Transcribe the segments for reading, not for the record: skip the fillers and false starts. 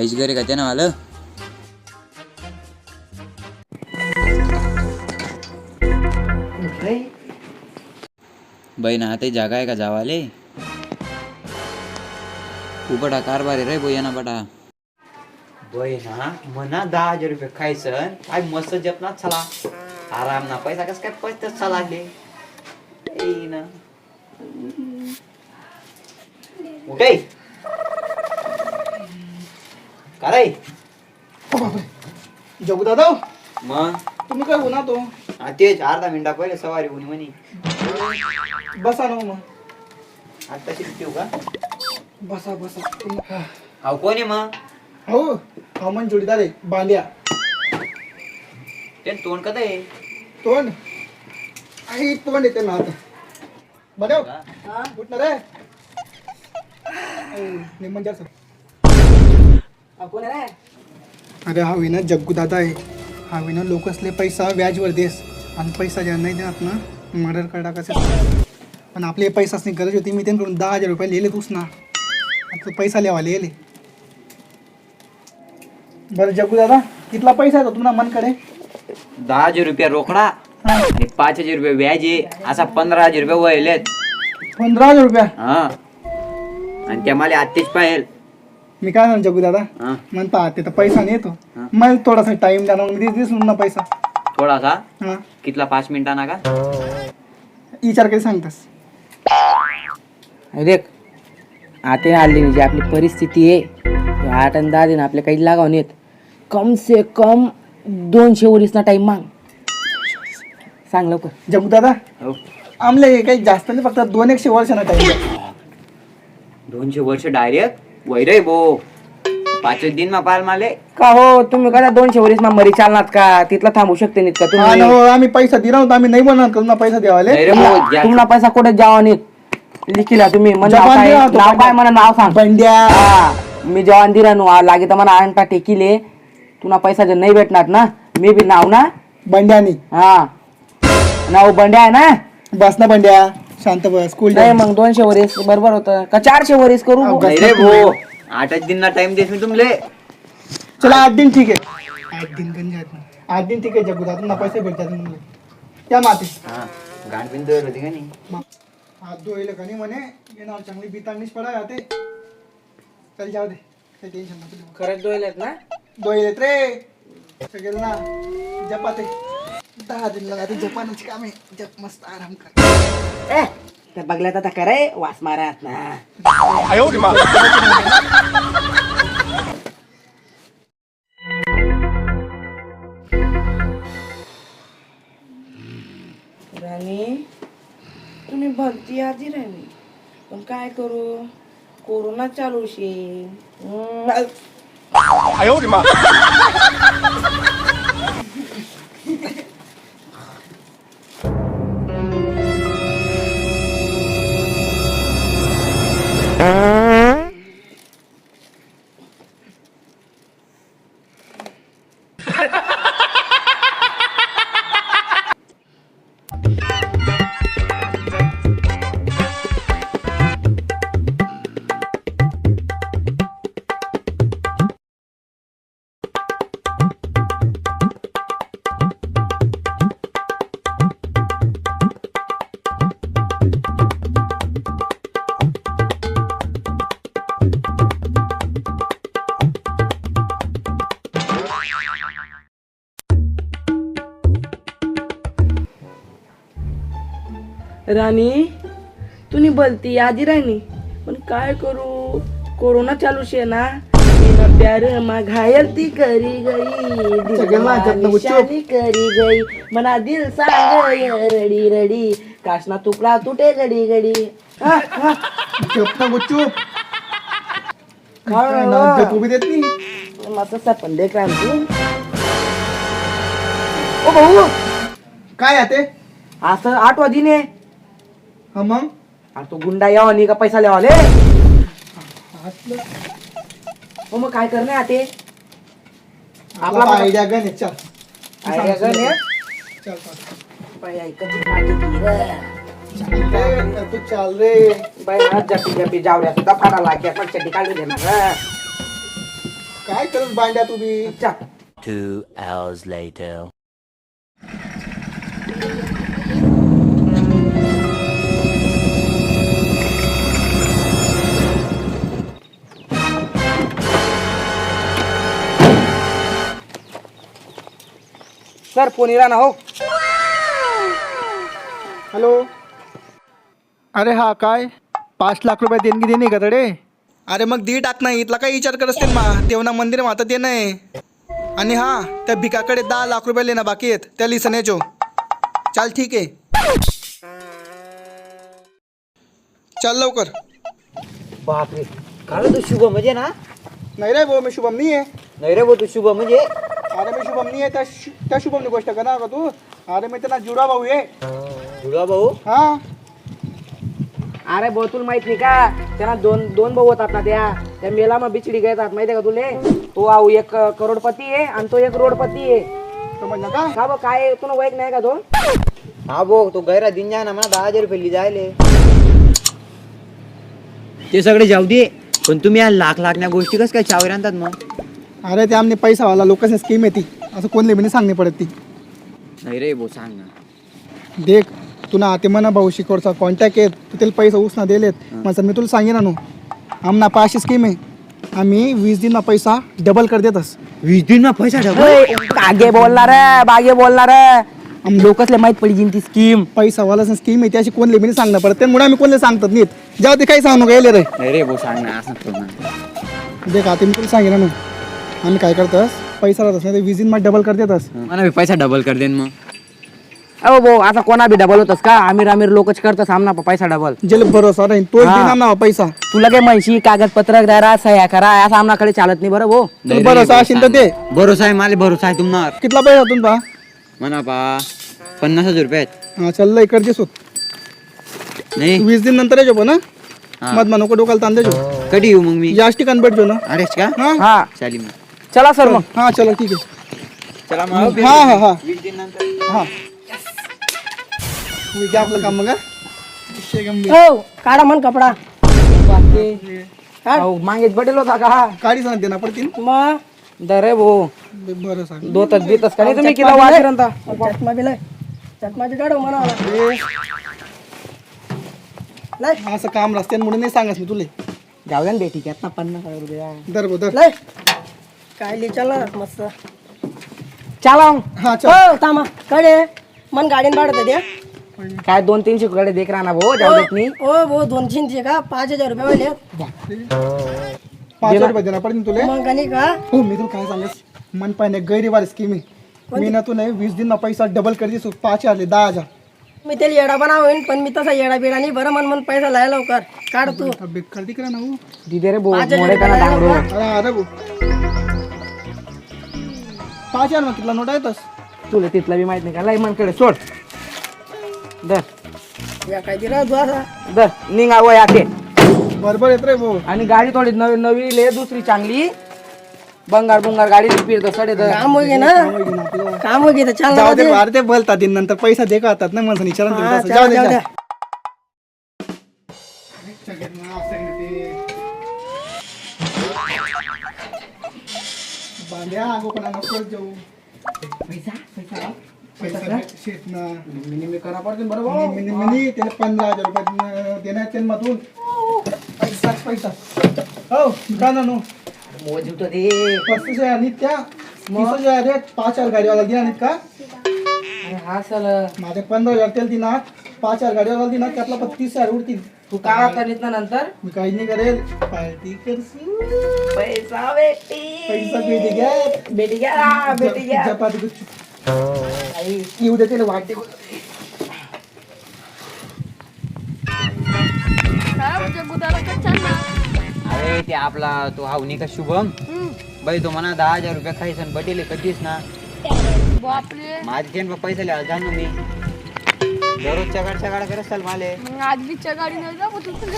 आईश घरी का ना आलं बहीण आता जागा आहे का जावाले उबटा कारभार रे बोया ना बटा बहिणा म्हणा 10,000 रुपये खायचं काय मस्त जपना चला आराम ना पैसा कस काय पैसे लागले ना उठे काय जगू दादा मग तुम्ही काय होणार तो तेच अर्धा मिनिटा पहिले सवारी होणी म्हणे बसा ना मग आता ठेवू का बसा बसा अहो कोण आहे मग हो हा मन जोडीदार आहे बांड्या ते तोंड कदा आहे तोंड आई तोंड येते ना आता बघ उठणार रे निमन सर कोण आहे अरे हा विना जग्गू दादा आहे हा विना लोक असले पैसा व्याजवर देस आणि पैसा ज्या नाही देणार ना मर्डर कर टाकायचं पण आपले पैसाच नाही गरज होती मी त्यांकडून 10,000 रुपये लिहिले तूच ना आता पैसा लिहावा लिहिले बरं जग्गू दादा कितला पैसा आहे तुम्हाला मनकडे 10,000 रुपये रोकडा आणि 5,000 रुपये व्याज आहे असा 15,000 रुपये वळलेत 15,000 रुपया हा आणि त्या मला आत्तेच पाहिजे मी काय म्हणतो जग्गू दादा हा म्हणता ते तर पैसा नाही येतो मला थोडासा टाइम द्या ना मग दिसून ना पैसा थोडासा हा कितला 5 मिनिटांना का विचार काही सांगतास देख आता आली म्हणजे आपली परिस्थिती आहे 8 आणि 10 दिन आपले काही लागाव नाहीत कम से कम 200 वरीस ना टाइम माग सांग लवकर जग्गू दादा हो आमले काही जास्त नाही फक्त 200 वर्षांना टाइम 200 वर्ष डायरेक्ट वैरे बो 5 दिन मा पाल माले का हो तुम्ही कदा 200 वरीस ना मरी चालणार का तिथला थांबू शकते नाहीत का तुम्ही आम्ही पैसा दिला होता आम्ही नाही बनवणार करून पैसा द्यावाले नाही रे भाऊ, ज्या- तुम्हाला पैसा कुठे जावा नाहीत लिखिला तुम्ही म्हणजे जपान नाव काय दिला होता, नाव काय म्हणा नाव सांग बंड्या हा, मी जवान दिला नु लागे तर मला आणता टेकिले तुला पैसा जर नाही भेटणार ना मी बी नाव ना बंड्यानी हा नाव बंड्या आहे ना बस ना बंड्या शांत बस स्कूल नाही मग 200 वरीस बरोबर होतं का 400 वरीस करू नाही रे भाऊ 8 दिन ना टाइम देस मी तुमले चला 8 दिन ठीक आहे 8 दिन गंज आहेत ना 8 दिन ठीक आहे जग्गू दादा तुम्हाला पैसे भेटतात तुम्हाला त्या माती हा गांड बिंद होती का नाही हात धुवायला का नाही म्हणे येणार चांगली बितांनीच पडा राहते चल जाऊ दे काही टेन्शन नको घेऊ. खरंच डोळ्यात ना धुवायलेत रे सगळे ना जपाते 10 दिन लगाते जपानाची कामे जप मस्त आराम कर ए त्या बघल्यात आता करे वास मारत ना राणी तुम्ही भलती आधी राणी पण काय करू कोरोना चालू शे राणी तुम्ही बोलती आधी राणी पण काय करू कोरोना चालू शे ना मेरा प्यार मा घायल ती करी गई सगळ्यांना जपणं दिल गुच्चूप. निशानी करी गई मना दिल सांग रडी रडी काशना तुकडा तुटे घडी घडी जप ना गुच्चूप काय ना? जपू बी देत नाही माझं सपन देख राम तू ओ भाऊ काय आहे ते असं 8 दिन आहे हा मग अरे तो गुंडा यावा नाही का पैसा लेवाले हो मग काय करणे आते आपला आयडिया गण आहे, चल आयडिया गण आहे? चल चल बाई ऐकत पाठी की रे. रे, तू चाल रे बाई हात जपी जपी जावऱ्या सुद्धा फाडा लाग्या पण चड्डी काढली दे ना रे. काय करत बांड्या तुम्ही? चल. 2 hours later. सर फोन इला ना हो. हॅलो. अरे हा काय 5 लाख रुपये देणगी देणे का तडे? अरे मग दी टाक नाही इथला काही विचार करत असतील मा तेव्हा मंदिर माता ते नाही. आणि हा त्या भिकाकडे 10 लाख रुपये लेणं बाकी आहेत त्या लिसण्याचो. चाल ठीक आहे. चल लवकर. बापरे काय तू शुभ म्हणजे ना? नाही रे भाऊ मी शुभम नाही आहे. नाही रे भाऊ तू शुभ म्हणजे? अरे मी शुभम नाही आहे त्या शुभमनी गोष्ट करणार का तू? अरे मी त्यांना जुडा भाऊ आहे. जुळा भाऊ? हा. अरे भाऊ तुला माहित नाही का त्यांना दोन भाऊ होतात ना त्या मेला मग बिचडी घेतात माहितीये का तुले? तो आऊ एक करोडपती आहे आणि तो एक रोडपती आहे. समजलं का? का बघ काय तुला वाईट नाही का तो? हा भाऊ तो गैरा दिन जाय ना मला 10,000 रुपये ली जायले. ते सगळे जाऊ दे पण तुम्ही या लाख गोष्टी कस काय चावर आणतात मग? अरे ते आमने पैसावाला लोकांची स्कीम आहे ती असं कोणले बी सांगणे पडत ती. नाही रे भाऊ सांग ना. देख तुला ते म्हणा भाऊ शिकोडचा कॉन्टॅक्ट आहेत तू त्याला पैसा उसना दिलेत माझं मी तुला सांगेन ना आमना पाचशे स्कीम आहे. आम्ही 20 दिन पैसा डबल कर देतस. 20 दिन पैसा डबल? बागे बोलणार लोकसले माहित पडली ती स्कीम. पैसावाला स्कीम आहे त्याची कोणले बी सांगणं पडत त्यामुळे आम्ही कोणले सांगतात नाहीत. जेव्हा ते काही सांगू गेले रे. नाही रे भाऊ सांग ना असं करू ना. देख आता मी तुला सांगेन ना आम्ही काय करतस पैसा राहतस नाही ते 20 दिन मध्ये डबल कर देतस. मला पैसा डबल कर देन मग. अहो भाऊ आता कोणा बी डबल होतस का? आमिर लोकच करतस आमना पैसा डबल. जेल भरोसा नाही तो हा. ना पैसा तुला काय म्हणशी कागदपत्र द्या सह्या करा असं आमनाकडे चालत नाही बरं भाऊ. तुला भरोसा असेल तर दे. भरोसा आहे मला भरोसा आहे तुम्हाला. कितला पैसा तुमचा? म्हणा पा 50,000 रुपये आहेत. हा चल लय कर देसो. नाही 20 दिन नंतर येजो पण हा. मत नको डोकाला ताण देजो. कधी येऊ मग मी? याच ठिकाणी भेटजो ना. अरे का हा हा चालेल मग. चला सर मग. हा चलो ठीक आहे. चला मग हा हा हा 20 दिन नंतर. हा मी काय आपलं काम मग हा? विषय गंभीर. हो काढा मन कपडा अहो, मागेच बडेल होता का? काढी सांग देना पडतील. मग दरे भाऊ बरं सांग. दोतच बीतच का नाही तुम्ही किती वाजता? चष्मा बिलाय चष्मा बी काढू म्हणा नाही असं काम रस्त्यान म्हणून नाही सांगस मी तुले. जाऊ द्या ना बेटी घेत ना 50,000 रुपये. दर दर लय काय लिचाला मस्त चला हा चल. हो थांबा कडे मन गाडीन काढत द्या काय 200-300 कडे देख राहा ना भाऊ जाऊ देत नाही. हो भाऊ 200 का 5,000 रुपये वाले 5,000 रुपये देणार पडतील तुले. मग आणि का हो मी तुला काय सांगस मन पाहिजे गैरीवार स्कीम आहे. मी ना तू नाही 20 दिन पैसा डबल कर देसो 5,000 ले 10,000. मी त्याला येडा बनावेन पण मी तसा येडा बिडा नाही बरं मन पैसा लाय लवकर काढ तू बेकार तिकडे ना हो. दिदे रे भाऊ 5,000 मोडे त्यांना डांगरो. अरे अरे भाऊ 5,000 मग कितला नोट येतस. तुला तिथलं बी माहित नाही का लय मनकडे सोड. दर या काय दिला तू असा दर निघावं याके. बरोबर येत रे भाऊ. आणि गाडी थोडी नवी ले दुसरी चांगली बंगार गाडी फिरतो सडे तर काम होगे ना काम होगे तर चाल जाऊ दे अरे ते बोलतात दिन नंतर पैसा दे का आता ना माणसाने विचारून दिलं तसं. जाऊ दे जाऊ जा. द्या बांड्या अगो कोणा नको जाऊ. पैसा शेत ना मिनी करा पडते बरोबर. मिनी त्याला 15,000 रुपये देण्यात त्याला मधून पैसा हो का ना नो मोजतो दे 35,000 आणि त्या 30,000 रे 5,000 गाडीवाला दिला नाहीत का? अरे हा सल माझे 15,000 तेल दिना 5,000 गाडीवाला दिना त्यातला 35,000 उरतील. तू काय करीत ना नंतर मी काही नाही करेल पार्टी करशील. पैसा बेटी पैसा भेटी घ्या बेटी घ्या बेटी घ्या. चपाती गुच्छ येऊ दे त्याला वाटते. अरे ते आपला तो हावनी का शुभम बाई तो म्हणा 10,000 रुपये खायचं बटेले कधीच ना. बापरे माझे तेन पैसे लिहा जाणू मी दररोजच्या गाड्या करत चाल माले. मग आजलीच्या गाडी नाही जा मग तुझं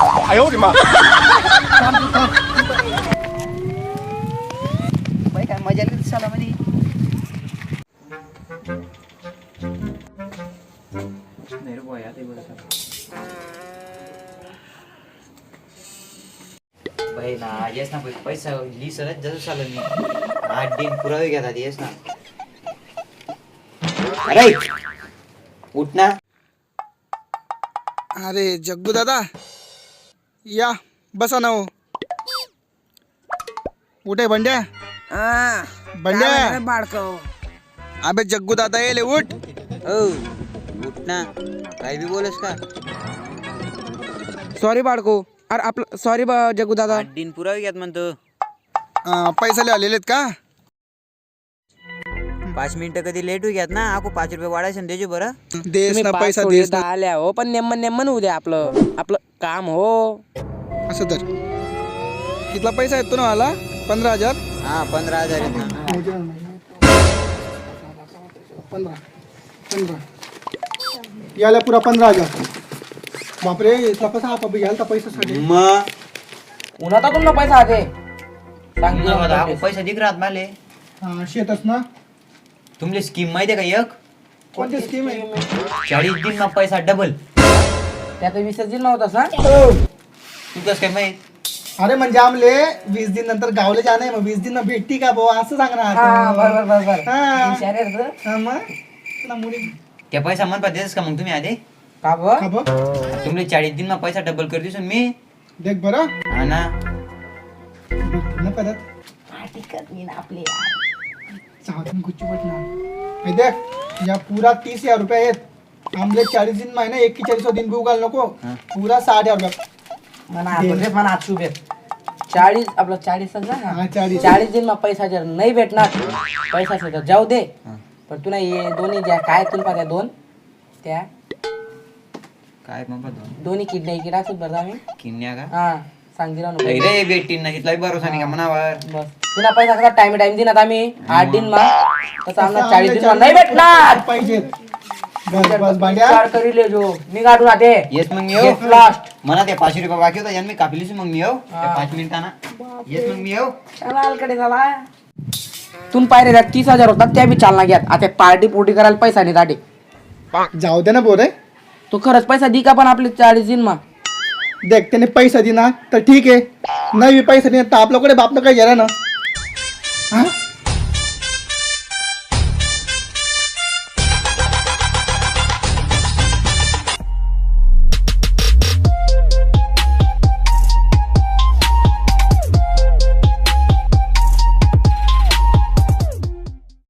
बाई काय मजा येते साला मध्ये. नाही रे बुवा, यात आहे बरं. बाई ना येस ना पैसा लिसरच जसं चाललं मी 8 दिन पुरावे घेतात येस ना. अरे उठ ना. अरे जग्गू दादा या बसा ना हो. उठे बंड्या बंड्या बाळको अबे जग्गू दादा येले उठ. ओ उठ ना, काय बी बोलस का? सॉरी बाळको. अरे आपलं सॉरी जग्गू दादा. 8 दिन पुरावे घ्यात म्हणतो. पैसा ले आलेले का? 5 मिनिटं कधी लेट होऊ घ्यात ना, आको 5 रुपये वाढायचं देजो बरं. देस तुम्ही ना पाच पैसा थोडी देस ना. आल्या हो, पण नेमन होऊ द्या आपलं काम हो. असं तर कितला पैसा येतो ना मला? 15,000. हा 15,000 आहेत ना. 15 याला पुरा 15,000. बापरे इतला पैसा आपण घ्याल तर पैशासाठी. मग उन्हात तुम्हाला पैसा आहे सांग. पैसा दिख राहत माले. हा शेतच ना. तुमले स्कीम माहिती आहे का? एक कोणती स्कीम आहे? 40 दिन मग पैसा डबल. त्यात विसर्जन नव्हता सांग. तू कसं काय माहित? अरे म्हणजे आमले 20 दिन नंतर गावले जाणं आहे, मग 20 दिन भेटती का भाऊ असं सांगणार. बरोबर हा. हुशार आहे रे तू. हा, मग तुला मुली त्या पैसा मन पाहिजेस का मग तुम्ही आधी? का बं? का बघ तुमले 40 दिन मग पैसा डबल कर दिसून मी. देख बरं हा ना. ना परत चाहून गुच्ची पटणार हे देख या पूरा 30,000 रुपये आहेत. आमले 40 दिन महिना 41 दिन भी उगाल नको. पूरा 60,000 रुपये. म्हणा 40 आपलं 40 ना. हा 40. 40 दिन मग पैसा जर नाही भेटणार पैसा तर जाऊ दे. पण तुला हे दोन्ही ज्या काय तुला पाहिजे दोन त्या काय मग दोन्ही किडण्या असत बरं आम्ही किन्या का? हा सांग दिला नको. रे भेटीन ना तिथला भरोसा नाही का मनावर. बस तुला पैसा कसा टाइम दिनात आम्ही 8 दिन मग तसं आम्हाला 40 दिन नाही भेटणार. पाहिजे बस बस भांड्या. विचार करी ले जो मी काढून आते येस मग मी येऊ. लास्ट मला ते 500 रुपये बाकी होता मी कापलीस मग मी येऊ. 5 मिनिटांना येस मग मी येऊ. कडे झाला तुम पायरे त्यात 30,000 होतात त्या बी चालना घ्यात. आता पार्टी पोटी करायला पैसा नाही दाटे. जाऊ दे ना बोरे. तो खरंच पैसा दी का पण आपले 40 दिन मा देख त्याने पैसा दिना तर ठीक आहे, नाही बी पैसा दिना तर आपल्याकडे बापनं काही गेला ना. हा